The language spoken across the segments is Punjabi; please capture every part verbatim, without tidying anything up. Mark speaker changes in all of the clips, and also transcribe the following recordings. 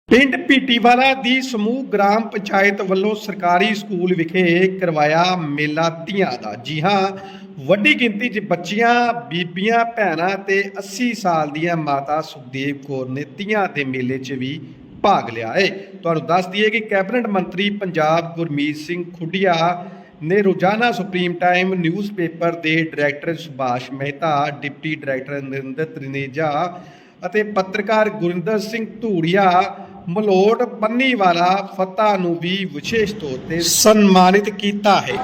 Speaker 1: ਪਿੰਡ ਪੀਟੀਵਾਲਾ ਦੀ ਸਮੂਹ ਗ੍ਰਾਮ ਪੰਚਾਇਤ ਵੱਲੋਂ ਸਰਕਾਰੀ ਸਕੂਲ ਵਿਖੇ ਕਰਵਾਇਆ ਮੇਲਾ ਧੀਆਂ ਦਾ। ਜੀ ਹਾਂ, ਵੱਡੀ ਗਿਣਤੀ 'ਚ ਬੱਚੀਆਂ, ਬੀਬੀਆਂ, ਭੈਣਾਂ ਤੇ अस्सी ਸਾਲ ਦੀਆਂ ਮਾਤਾ ਸੁਖਦੇਵ ਕੌਰ ਨੇ ਧੀਆਂ ਦੇ ਮੇਲੇ 'ਚ ਵੀ ਭਾਗ ਲਿਆ ਹੈ। ਤੁਹਾਨੂੰ ਦੱਸ ਦਈਏ ਕਿ ਕੈਬਨਿਟ ਮੰਤਰੀ ਪੰਜਾਬ ਗੁਰਮੀਤ ਸਿੰਘ ਖੁੱਡੀਆ ਨੇ ਰੋਜ਼ਾਨਾ ਸੁਪਰੀਮ ਟਾਈਮ ਨਿਊਜ਼ਪੇਪਰ ਦੇ director Subhash Mehta, deputy director Narinder Trineja ਅਤੇ ਪੱਤਰਕਾਰ ਗੁਰਿੰਦਰ ਸਿੰਘ ਧੂੜੀਆ ਮਲੋਟ ਪੰਨੀਵਾਲਾ ਫਤਿਹ ਨੂੰ ਵੀ ਵਿਸ਼ੇਸ਼ ਤੌਰ ਤੇ ਸਨਮਾਨਿਤ ਕੀਤਾ ਹੈ।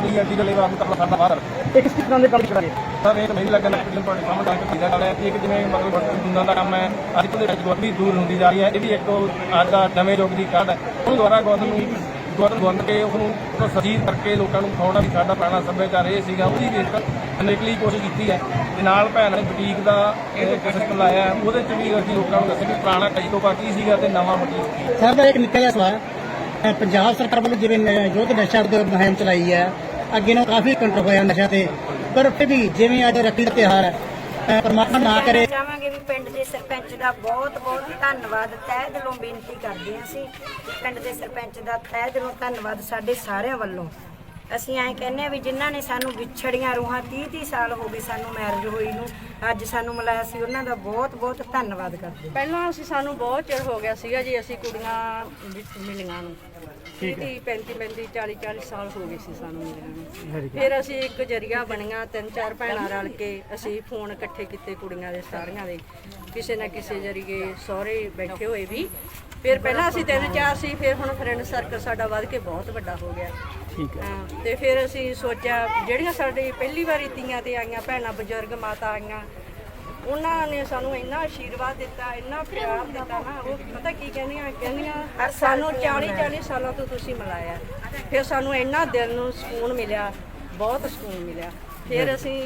Speaker 2: ਇਹ ਕਿਸ ਤਰ੍ਹਾਂ ਦੇ ਕੰਮ ਕਰਾਂਗੇ ਸਰ? ਇਹ ਨਹੀਂ ਲੱਗਣਾ ਕਿ ਤੁਹਾਡੇ ਸਾਹਮਣੇ ਤਾਂ ਕਿਹਦਾ ਗੱਲ ਹੈ। ਇੱਕ ਜਿਵੇਂ ਮਤਲਬ ਦੁਨੀਆ ਦਾ ਕੰਮ ਹੈ, ਅੱਜ ਤੋਂ ਗੌਰਮੈਂਟ ਦੂਰ ਹੁੰਦੀ ਜਾ ਰਹੀ ਹੈ। ਇਹ ਵੀ ਇੱਕ ਅੱਜ ਦਾ ਨਵੇਂ ਯੁੱਗ ਦੀ ਕਾਢ ਹੈ। ਉਹ ਦੁਆਰਾ ਗੌਰਮੈਂਟ ਨੂੰ ਗੌਰਮੈਂਟ ਬੰਦ ਕੇ ਉਹਨੂੰ ਸਜੀਵ ਕਰਕੇ ਲੋਕਾਂ ਨੂੰ ਦਿਖਾਉਣਾ ਵੀ ਸਾਡਾ ਪੁਰਾਣਾ ਸੱਭਿਆਚਾਰ ਇਹ ਸੀਗਾ। ਉਹਦੀ ਵੀ ਅਨੇਕਲੀ ਕੋਸ਼ਿਸ਼ ਕੀਤੀ ਹੈ ਤੇ ਨਾਲ ਭੈਣ ਨੇ ਬੁਟੀਕ ਦਾ ਸਿਸਟਮ ਲਾਇਆ। ਉਹਦੇ 'ਚ ਵੀ ਅਸੀਂ ਲੋਕਾਂ ਨੂੰ ਦੱਸਿਆ ਕਿ ਪੁਰਾਣਾ ਕਈ ਤੋਂ ਕੀ ਸੀਗਾ ਤੇ ਨਵਾਂ ਬੁਟੀਕ।
Speaker 3: ਸਰ ਦਾ ਇੱਕ ਨਿੱਕਾ ਜਿਹਾ ਸਵਾਲ, ਪੰਜਾਬ ਸਰਕਾਰ ਵੱਲੋਂ ਜਿਵੇਂ ਯੁੱਧ ਨਸ਼ਾ ਵਿਰੋਧ ਮੁਹਿੰਮ ਚਲਾਈ ਹੈ, ਅੱਗੇ ਨੂੰ ਕਾਫੀ ਕੰਟਰੋਲ ਹੋਇਆ ਨਸ਼ਾ ਤੇ, ਪਰ ਫਿਰ ਵੀ ਜਿਵੇਂ ਅੱਜ ਰੱਖੜੀ ਦਾ ਤਿਉਹਾਰ ਹੈ, ਪਰਮਾਤਮਾ ਨਾ ਕਰੇ।
Speaker 4: ਚਾਹਾਂਗੇ ਵੀ ਪਿੰਡ ਦੇ ਸਰਪੰਚ ਦਾ ਬਹੁਤ ਬਹੁਤ ਧੰਨਵਾਦ, ਤਹਿ ਦਿਲੋਂ ਬੇਨਤੀ ਕਰਦੇ ਹਾਂ। ਅਸੀਂ ਪਿੰਡ ਦੇ ਸਰਪੰਚ ਦਾ ਤਹਿ ਦਿਲੋਂ ਧੰਨਵਾਦ ਸਾਡੇ ਸਾਰਿਆਂ ਵੱਲੋਂ। ਅਸੀਂ ਐਂ ਕਹਿੰਦੇ ਹਾਂ ਵੀ ਜਿਨ੍ਹਾਂ ਨੇ ਸਾਨੂੰ ਵਿਛੜੀਆਂ ਰੂਹਾਂ ਤੀਹ ਤੀਹ ਸਾਲ ਹੋ ਗਏ ਸਾਨੂੰ ਮੈਰਿਜ ਹੋਈ ਨੂੰ, ਅੱਜ ਸਾਨੂੰ ਮਿਲਾਇਆ ਸੀ, ਉਹਨਾਂ ਦਾ ਬਹੁਤ ਬਹੁਤ ਧੰਨਵਾਦ ਕਰਦੇ।
Speaker 5: ਪਹਿਲਾਂ ਅਸੀਂ ਸਾਨੂੰ ਬਹੁਤ ਚਿਰ ਹੋ ਗਿਆ ਸੀਗਾ ਜੀ, ਅਸੀਂ ਕੁੜੀਆਂ ਮਿਲੀਆਂ ਨੂੰ ਤੀਹ ਪੈਂਤੀ ਪੈਂਤੀ ਚਾਲੀ ਚਾਲੀ ਸਾਲ ਹੋ ਗਏ ਸੀ ਸਾਨੂੰ ਮਿਲੀਆਂ ਨੂੰ। ਫਿਰ ਅਸੀਂ ਇੱਕ ਜਰੀਆ ਬਣੀਆਂ, ਤਿੰਨ ਚਾਰ ਭੈਣਾਂ ਰਲ ਕੇ ਅਸੀਂ ਫੋਨ ਇਕੱਠੇ ਕੀਤੇ ਕੁੜੀਆਂ ਦੇ ਸਾਰੀਆਂ ਦੇ, ਕਿਸੇ ਨਾ ਕਿਸੇ ਜਰੀਏ ਸਹੁਰੇ ਬੈਠੇ ਹੋਏ ਵੀ। ਫਿਰ ਪਹਿਲਾਂ ਅਸੀਂ ਤਿੰਨ ਚਾਰ ਸੀ, ਫਿਰ ਹੁਣ ਫਰੈਂਡ ਸਰਕਲ ਸਾਡਾ ਵੱਧ ਕੇ ਬਹੁਤ ਵੱਡਾ ਹੋ ਗਿਆ।
Speaker 3: ਠੀਕ ਹੈ।
Speaker 5: ਹਾਂ, ਤੇ ਫਿਰ ਅਸੀਂ ਸੋਚਿਆ ਜਿਹੜੀਆਂ ਸਾਡੀ ਪਹਿਲੀ ਵਾਰੀ ਤੀਆਂ ਤੇ ਆਈਆਂ ਭੈਣਾਂ, ਬਜ਼ੁਰਗ ਮਾਤਾ ਆਈਆਂ, ਉਹਨਾਂ ਨੇ ਸਾਨੂੰ ਇੰਨਾ ਆਸ਼ੀਰਵਾਦ ਦਿੱਤਾ, ਇੰਨਾ ਪਿਆਰ ਦਿੱਤਾ ਨਾ। ਉਹ ਪਤਾ ਕੀ ਕਹਿੰਦੀਆਂ ਕਹਿੰਦੀਆਂ ਸਾਨੂੰ ਚਾਲੀ ਚਾਲੀ ਸਾਲਾਂ ਤੋਂ ਤੁਸੀਂ ਮਿਲਾਇਆ। ਫਿਰ ਸਾਨੂੰ ਇੰਨਾ ਦਿਲ ਨੂੰ ਸਕੂਨ ਮਿਲਿਆ, ਬਹੁਤ ਸਕੂਨ ਮਿਲਿਆ। ਫਿਰ ਅਸੀਂ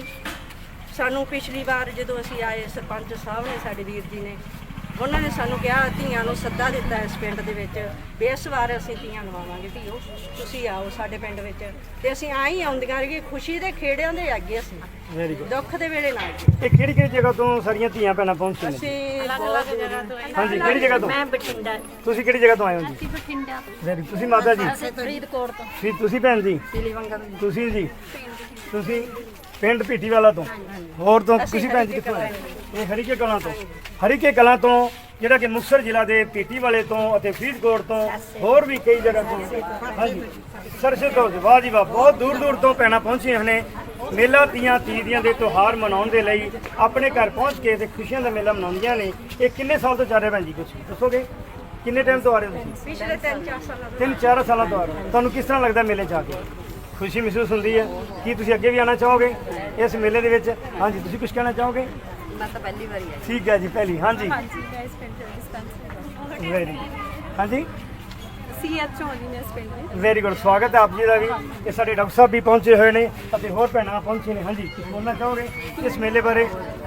Speaker 5: ਸਾਨੂੰ ਪਿਛਲੀ ਵਾਰ ਜਦੋਂ ਅਸੀਂ ਆਏ, ਸਰਪੰਚ ਸਾਹਿਬ ਨੇ ਸਾਡੇ ਵੀਰ ਜੀ ਨੇ, ਉਹਨਾਂ ਨੇ ਸਾਨੂੰ ਕਿਹਾ ਧੀਆਂ ਨੂੰ ਸੱਦਾ ਦਿੱਤਾ ਇਸ ਪਿੰਡ ਦੇ ਵਿੱਚ ਵੀ ਇਸ ਵਾਰ ਅਸੀਂ ਧੀਆਂ ਨਵਾਵਾਂਗੇ, ਧੀਓ ਤੁਸੀਂ ਆਓ ਸਾਡੇ ਪਿੰਡ ਵਿੱਚ। ਤੇ ਅਸੀਂ ਆਈ ਆਉਂਦੀਆਂ ਰਹੀਏ, ਖੁਸ਼ੀ ਦੇ ਖੇੜਿਆਂ ਦੇ ਅੱਗੇ ਅਸੀਂ,
Speaker 3: ਵੈਰੀ ਗੁੱਡ।
Speaker 5: ਦੁੱਖ ਦੇ ਵੇਲੇ ਨਾਲ।
Speaker 3: ਇਹ ਕਿਹੜੀ ਕਿਹੜੀ ਜਗ੍ਹਾ ਤੋਂ ਸਾਰੀਆਂ ਧੀਆਂ ਭੈਣਾਂ ਪਹੁੰਚੀਆਂ ਨੇ?
Speaker 5: ਅਸੀਂ ਬਹੁਤ ਜਗ੍ਹਾ ਤੋਂ।
Speaker 3: ਹਾਂਜੀ, ਕਿਹੜੀ ਜਗ੍ਹਾ ਤੋਂ?
Speaker 4: ਮੈਂ ਬਠਿੰਡਾ।
Speaker 3: ਤੁਸੀਂ ਕਿਹੜੀ ਜਗ੍ਹਾ ਤੋਂ ਆਏ ਹੋ ਜੀ?
Speaker 4: ਅਸੀਂ ਬਠਿੰਡਾ।
Speaker 3: ਵੈਰੀ। ਤੁਸੀਂ ਮਾਤਾ ਜੀ?
Speaker 4: ਫਰੀਦਕੋਟ ਤੋਂ।
Speaker 3: ਫਿਰ ਤੁਸੀਂ ਭੈਣ ਜੀ?
Speaker 4: ਸਿਲੀਵੰਗਾ ਤੋਂ।
Speaker 3: ਤੁਸੀਂ ਜੀ? ਤੁਸੀਂ ਪਿੰਡ ਪੀਟੀਵਾਲਾ ਤੋਂ। ਹੋਰ ਤੋਂ ਤੁਸੀਂ ਭੈਣ ਜੀ ਕਿੱਥੋਂ ਆਏ? ਇਹ ਹਰੀਕੇ ਕਲਾਂ ਤੋਂ। ਹਰੀਕੇ ਕਲਾਂ ਤੋਂ ਜਿਹੜਾ ਕਿ ਮੁਕਤਸਰ ਜ਼ਿਲ੍ਹਾ ਦੇ ਪੀਟੀਵਾਲੇ ਤੋਂ ਅਤੇ ਫਰੀਦਕੋਟ ਤੋਂ, ਹੋਰ ਵੀ ਕਈ ਜਗ੍ਹਾ ਤੋਂ। ਹਾਂਜੀ, ਸਰਸੇ ਤੋਂ। ਵਾਹ ਜੀ ਵਾਹ, ਬਹੁਤ ਦੂਰ ਦੂਰ ਤੋਂ ਭੈਣਾਂ ਪਹੁੰਚੀਆਂ ਨੇ ਮੇਲਾ ਤੀਆਂ ਤੀਦੀਆਂ ਦੇ ਤਿਉਹਾਰ ਮਨਾਉਣ ਦੇ ਲਈ। ਆਪਣੇ ਘਰ ਪਹੁੰਚ ਕੇ ਤੇ ਖੁਸ਼ੀਆਂ ਦਾ ਮੇਲਾ ਮਨਾਉਂਦੀਆਂ ਨੇ। ਇਹ ਕਿੰਨੇ ਸਾਲ ਤੋਂ ਚੱਲ ਰਿਹਾ ਭੈਣ ਜੀ, ਕੁਛ ਦੱਸੋਗੇ? ਕਿੰਨੇ ਟਾਈਮ ਤੋਂ ਆ ਰਹੇ ਹੋ ਤੁਸੀਂ?
Speaker 5: ਪਿਛਲੇ ਤਿੰਨ ਚਾਰ ਸਾਲਾਂ ਤੋਂ।
Speaker 3: ਤਿੰਨ ਚਾਰ ਸਾਲਾਂ ਤੋਂ ਆ ਰਹੇ ਹੋ। ਤੁਹਾਨੂੰ ਕਿਸ ਤਰ੍ਹਾਂ ਲੱਗਦਾ ਮੇਲੇ 'ਚ ਆ ਕੇ? ਖੁਸ਼ੀ ਮਹਿਸੂਸ ਹੁੰਦੀ ਹੈ? ਕੀ ਤੁਸੀਂ ਅੱਗੇ ਵੀ ਆਉਣਾ ਚਾਹੋਗੇ ਇਸ ਮੇਲੇ ਦੇ ਵਿੱਚ? ਹਾਂਜੀ, ਤੁਸੀਂ ਕੁਝ ਕਹਿਣਾ ਚਾਹੋਗੇ?
Speaker 5: ਮੈਂ ਤਾਂ ਪਹਿਲੀ ਵਾਰੀ ਆਈ।
Speaker 3: ਠੀਕ ਹੈ ਜੀ, ਪਹਿਲੀ। ਹਾਂਜੀ
Speaker 6: ਹਾਂਜੀ, ਮੈਂ ਇਸ ਪਿੰਡ ਦੇ ਡਿਸਪੈਂਸਰੀ
Speaker 3: ਵੈਰੀ। ਹਾਂਜੀ,
Speaker 6: ਸੀ ਐਚ ਓ ਜੀ ਨੇ ਇਸ ਪਿੰਡ ਦੇ।
Speaker 3: Very good. ਸਵਾਗਤ ਹੈ ਆਪ ਜੀ ਦਾ ਵੀ। ਇਹ ਸਾਡੇ ਡਾਕਟਰ ਸਾਹਿਬ ਵੀ ਪਹੁੰਚੇ ਹੋਏ ਨੇ ਅਤੇ ਹੋਰ ਭੈਣਾਂ ਪਹੁੰਚੇ ਨੇ। ਹਾਂਜੀ, ਕੁਝ ਬੋਲਣਾ ਚਾਹੋਗੇ ਇਸ ਮੇਲੇ ਬਾਰੇ?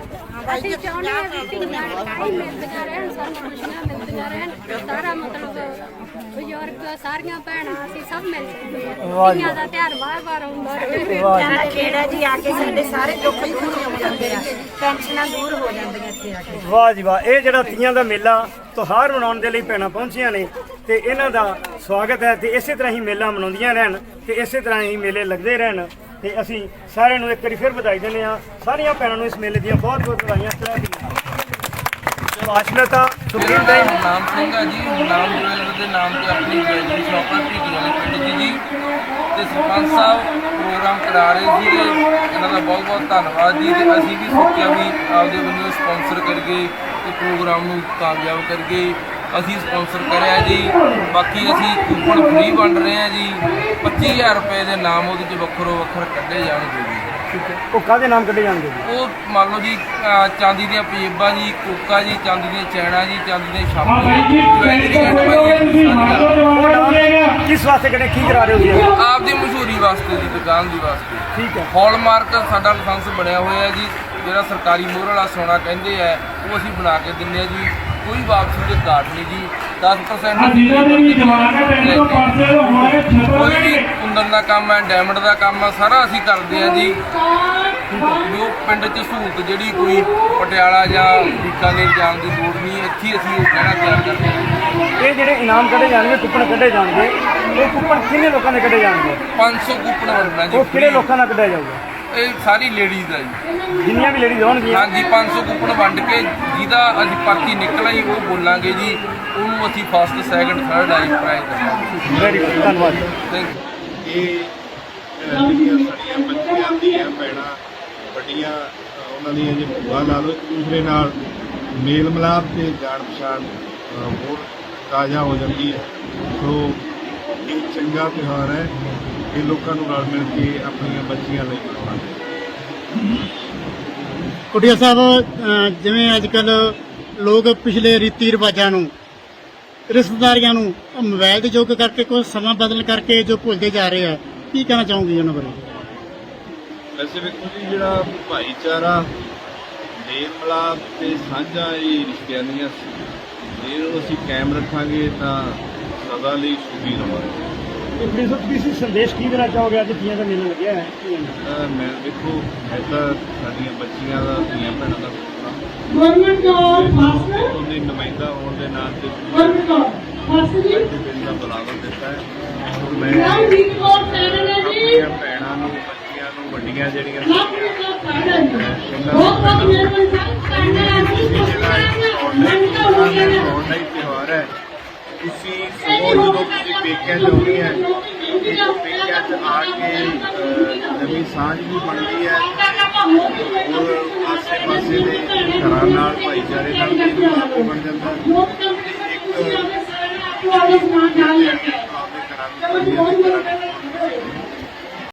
Speaker 6: ਅਸੀਂ ਚਾਹੁੰਦੇ ਹਾਂ ਵੀ ਧੀਆਂ ਕਾਈ ਮਿਲਦੀਆਂ ਰਹਿਣ, ਸਾਨੂੰ ਖੁਸ਼ੀਆਂ ਮਿਲਦੀਆਂ ਰਹਿਣ। ਸਾਰਾ ਮਤਲਬ ਬਜ਼ੁਰਗ ਸਾਰੀਆਂ ਭੈਣਾਂ ਅਸੀਂ ਸਭ ਮਿਲ ਸਕਦੇ ਹਾਂ। ਧੀਆਂ ਦਾ ਤਿਉਹਾਰ ਵਾਰ ਵਾਰ ਆਉਂਦਾ ਰਹੇ।
Speaker 4: ਸਾਡਾ ਖੇੜਾ ਜੀ ਆ ਕੇ ਸਾਡੇ ਸਾਰੇ ਦੁੱਖ ਦੂਰ ਹੋ ਜਾਂਦੇ ਆ, ਟੈਨਸ਼ਨਾਂ ਦੂਰ ਹੋ ਜਾਂਦੀਆਂ ਇੱਥੇ ਆ ਕੇ।
Speaker 3: ਵਾਹ ਜੀ ਵਾਹ। ਇਹ ਜਿਹੜਾ ਤੀਆਂ ਦਾ ਮੇਲਾ ਤਿਉਹਾਰ ਮਨਾਉਣ ਦੇ ਲਈ ਭੈਣਾਂ ਪਹੁੰਚੀਆਂ ਨੇ ਤੇ ਇਹਨਾਂ ਦਾ ਸਵਾਗਤ ਹੈ। ਤੇ ਇਸੇ ਤਰ੍ਹਾਂ ਹੀ ਮੇਲਾ ਮਨਾਉਂਦੀਆਂ ਰਹਿਣ ਤੇ ਇਸੇ ਤਰ੍ਹਾਂ ਹੀ ਮੇਲੇ ਲੱਗਦੇ ਰਹਿਣ। ਤੇ ਅਸੀਂ ਸਾਰਿਆਂ ਨੂੰ ਇੱਕ ਵਾਰੀ ਫਿਰ ਵਧਾਈ ਦਿੰਦੇ ਹਾਂ। ਸਾਰੀਆਂ ਭੈਣਾਂ ਨੂੰ ਇਸ ਮੇਲੇ ਦੀਆਂ ਬਹੁਤ ਬਹੁਤ ਵਧਾਈਆਂ। ਆਸ਼ਨਤਾ ਸੁਪਰੀਮ ਟਾਈਮ
Speaker 7: ਨਾਮ ਸਿੰਘ ਆ ਜੀ, ਨਾਮ ਜੁਐਲਰ ਦੇ ਨਾਮ ਤੇ ਆਪਣੀ ਜੁਐਲਰੀ ਸ਼ਾਪ ਹੈ ਪੀਟੀਵਾਲੇ ਪਿੰਡ ਦੀ ਜੀ। ਤੇ ਸਰਪੰਚ ਸਾਹਿਬ ਪ੍ਰੋਗਰਾਮ ਕਰਾ ਰਹੇ ਸੀਗੇ, ਇਹਨਾਂ ਦਾ ਬਹੁਤ ਬਹੁਤ ਧੰਨਵਾਦ ਜੀ। ਤੇ ਅਸੀਂ ਵੀ ਸੋਚਿਆ ਵੀ ਆਪਦੇ ਵੱਲੋਂ ਸਪਾਂਸਰ ਕਰਕੇ ਤੇ ਪ੍ਰੋਗਰਾਮ ਨੂੰ ਕਾਮਯਾਬ ਕਰਕੇ ਅਸੀਂ ਸਪਾਂਸਰ ਕਰਿਆ ਜੀ। ਬਾਕੀ ਅਸੀਂ ਕੂਪਨ ਫ੍ਰੀ ਵੰਡ ਰਹੇ ਹਾਂ ਜੀ। ਪੱਚੀ ਹਜ਼ਾਰ ਰੁਪਏ ਦੇ ਨਾਮ ਉਹਦੇ 'ਚ ਵੱਖਰੋ ਵੱਖਰ ਕੱਢੇ ਜਾਣਗੇ ਜੀ।
Speaker 3: ਠੀਕ ਹੈ। ਉਹ ਕਾਹਦੇ ਨਾਮ ਕੱਢੇ ਜਾਣਗੇ ਜੀ?
Speaker 7: ਉਹ ਮੰਨ ਲਓ ਜੀ, ਚਾਂਦੀ ਦੀਆਂ ਪਜੇਬਾਂ ਜੀ, ਕੋਕਾ ਜੀ, ਚਾਂਦੀ ਦੀਆਂ ਚੈਨਾਂ ਜੀ, ਚਾਂਦੀ ਦੀਆਂ ਛਾਪਾਂ ਜੀ,
Speaker 3: ਕਿਸ ਵਾਸਤੇ ਕੱਢੇ, ਕੀ ਕਰਾ ਰਹੇ ਹੋ ਜੀ?
Speaker 7: ਆਪਦੀ ਮਸ਼ਹੂਰੀ ਵਾਸਤੇ ਜੀ, ਦੁਕਾਨ ਦੀ ਵਾਸਤੇ।
Speaker 3: ਠੀਕ ਹੈ।
Speaker 7: ਹੌਲਮਾਰਕ ਸਾਡਾ ਲਾਇਸੈਂਸ ਬਣਿਆ ਹੋਇਆ ਜੀ, ਜਿਹੜਾ ਸਰਕਾਰੀ ਮੋਹਰ ਵਾਲਾ ਸੋਨਾ ਕਹਿੰਦੇ ਆ, ਉਹ ਅਸੀਂ ਬਣਾ ਕੇ ਦਿੰਦੇ ਆ ਜੀ। ਕੋਈ ਵਾਪਸੀ ਦੇ ਕਾਰਡ ਨਹੀਂ ਜੀ। ਦਸ ਪਰਸੈਂਟ ਕੋਈ ਵੀ ਕੁੰਦਨ ਦਾ ਕੰਮ ਹੈ, ਡਾਇਮੰਡ ਦਾ ਕੰਮ ਹੈ, ਸਾਰਾ ਅਸੀਂ ਕਰਦੇ ਹਾਂ ਜੀ। ਜੋ ਪਿੰਡ 'ਚ ਸਹੂਲਤ ਜਿਹੜੀ ਕੋਈ ਪਟਿਆਲਾ ਜਾਂ ਬੀਕਾਨੇਰ ਜਾਣ ਦੀ ਲੋੜ ਨਹੀਂ, ਇੱਥੇ ਅਸੀਂ ਉਹ ਕਹਿਣਾ ਤਿਆਰ ਕਰਦੇ ਹਾਂ।
Speaker 3: ਜਿਹੜੇ ਇਨਾਮ ਕੱਢੇ ਜਾਣਗੇ, ਕੁੱਪਣ ਕੱਢੇ ਜਾਣਗੇ, ਉਹ ਕੁੱਪਣ ਕਿੰਨੇ ਲੋਕਾਂ ਦੇ ਕੱਢੇ ਜਾਣਗੇ?
Speaker 7: ਪੰਜ ਸੌ ਕੂਪਨ ਵੰਡਣਾ ਜੀ।
Speaker 3: ਉਹ ਕਿਹੜੇ ਲੋਕਾਂ ਨਾਲ ਕੱਢਿਆ ਜਾਊਗਾ?
Speaker 7: ਇਹ ਸਾਰੀ ਲੇਡੀਜ਼ ਦਾ ਜੀ।
Speaker 3: ਜਿੰਨੀਆਂ ਵੀ ਲੇਡੀਜ਼ ਹੋਣਗੀਆਂ।
Speaker 7: ਹਾਂਜੀ, ਪੰਜ ਸੌ ਕੂਪਨ ਵੰਡ ਕੇ ਜਿਹਦਾ ਅੱਜ ਪਰਚੀ ਨਿਕਲ ਆਈ ਉਹ ਬੋਲਾਂਗੇ ਜੀ, ਉਹਨੂੰ ਅਸੀਂ ਫਸਟ ਸੈਕਿੰਡ ਥਰਡ ਆਈ ਪ੍ਰਾਈਜ਼ ਦੇਵਾਂਗੇ।
Speaker 3: ਵੈਰੀ ਗੁੱਡ, ਧੰਨਵਾਦ।
Speaker 7: Thank you.
Speaker 8: ਇਹ ਅਹ, ਜਿਹੜੀਆਂ ਸਾਡੀਆਂ ਬੱਚੀਆਂ ਦੀਆਂ ਭੈਣਾਂ ਵੱਡੀਆਂ ਅਹ, ਉਹਨਾਂ ਦੀਆਂ ਜੇ ਭੂਆ ਲਾ ਲਓ, ਇੱਕ ਦੂਸਰੇ ਨਾਲ ਮੇਲ ਮਿਲਾਪ ਤੇ ਜਾਣ ਪਛਾਣ ਅਹ, ਹੋਰ ਤਾਜ਼ਾ ਹੋ ਜਾਂਦੀ ਹੈ। ਸੋ ਇਹ ਚੰਗਾ ਤਿਉਹਾਰ ਹੈ, ਇਹ ਲੋਕਾਂ ਨੂੰ ਰਲ ਮਿਲ ਕੇ ਆਪਣੀਆਂ ਬੱਚੀਆਂ ਲਈ ਮਨਾਉਣਾ ਚਾਹੀਦਾ।
Speaker 9: ਕੁਟੀਆ ਸਾਹਿਬ, ਅਹ ਜਿਵੇਂ ਅੱਜ ਕੱਲ ਲੋਕ ਪਿਛਲੇ ਰੀਤੀ ਰਿਵਾਜਾਂ ਨੂੰ, ਰਿਸ਼ਤੇਦਾਰੀਆਂ ਨੂੰ ਮੋਬਾਈਲ ਦੇ ਯੁੱਗ ਕਰਕੇ, ਕੁਝ ਸਮਾਂ ਬਦਲ ਕਰਕੇ ਜੋ ਭੁੱਲਦੇ ਜਾ ਰਹੇ ਆ, ਕੀ ਕਹਿਣਾ ਚਾਹੋਗੇ ਉਹਨਾਂ ਬਾਰੇ?
Speaker 8: ਵੈਸੇ ਵੇਖੋ ਜੀ, ਜਿਹੜਾ ਭਾਈਚਾਰਾ, ਮੇਲ ਮਿਲਾਪ ਤੇ ਸਾਂਝਾ ਇਹ ਰਿਸ਼ਤਿਆਂ ਦੀਆਂ ਜੇ ਅਸੀਂ ਕਾਇਮ ਰੱਖਾਂਗੇ ਤਾਂ ਸਦਾ ਲਈ ਸੁਖੀ ਰਹਾਂਗੇ।
Speaker 3: ਇਹ ਪ੍ਰਿੰਸ ਤੁਸੀਂ ਸੰਦੇਸ਼ ਕੀ ਦੇਣਾ ਚਾਹੋਗੇ ਅੱਜ ਤੀਆਂ ਦਾ ਮੇਲਾ ਲੱਗਿਆ ਹੈ?
Speaker 8: ਤਾਂ ਮੈਂ ਦੇਖੋ ਹੈ ਤਾਂ ਸਾਡੀਆਂ ਬੱਚੀਆਂ ਦਾ, ਧੀਆਂ ਭੈਣਾਂ ਦਾ
Speaker 10: ਗਵਰਨਮੈਂਟ ਜੋਬ ਫਾਸਟ
Speaker 8: ਉਹਦੇ ਨੁਮਾਇੰਦਾ ਹੋਣ ਦੇ ਨਾਤੇ
Speaker 10: ਗਵਰਨਮੈਂਟ ਜੋਬ ਫਾਸਟ ਜੀ
Speaker 8: ਅੱਜ ਦਿਨ ਦਾ ਬੁਲਾਵਾ ਦਿੱਤਾ ਹੈ। ਔਰ ਮੈਂ
Speaker 10: ਨਾਮ ਜੀ ਕੋਲ ਚੈਨਲ ਹੈ ਜੀ
Speaker 8: ਆਪਣੀਆਂ ਭੈਣਾਂ ਨੂੰ, ਬੱਚੀਆਂ ਨੂੰ, ਵੱਡੀਆਂ ਜਿਹੜੀਆਂ
Speaker 10: ਨਾਮ ਜੀ ਕੋਲ ਚੈਨਲ ਹੈ ਜੀ ਬਹੁਤ ਬਹੁਤ ਮਿਹਰਬਾਨੀ ਸਾਹਿਬ ਚੈਨਲ ਹੈ ਜੀ
Speaker 8: ਆਨਲਾਈਨ ਤਿਉਹਾਰ ਹੈ। ਤੁਸੀਂ ਸਗੋਂ ਜਦੋਂ ਤੁਸੀਂ ਪੇਕਿਆਂ 'ਚ ਆਉਂਦੇ ਹੈ, ਇਹ ਪੇਕਿਆਂ 'ਚ ਆ ਕੇ ਅਹ, ਨਵੀਂ ਸਾਂਝ ਵੀ ਬਣਦੀ ਹੈ ਔਰ ਆਸੇ ਪਾਸੇ ਦੇ ਘਰਾਂ ਨਾਲ, ਭਾਈਚਾਰੇ ਨਾਲ ਵੀ ਮਿਲਾਪ ਬਣ ਜਾਂਦਾ ਹੈ। ਇੱਕ ਆਪਦੇ ਘਰਾਂ ਵਿੱਚ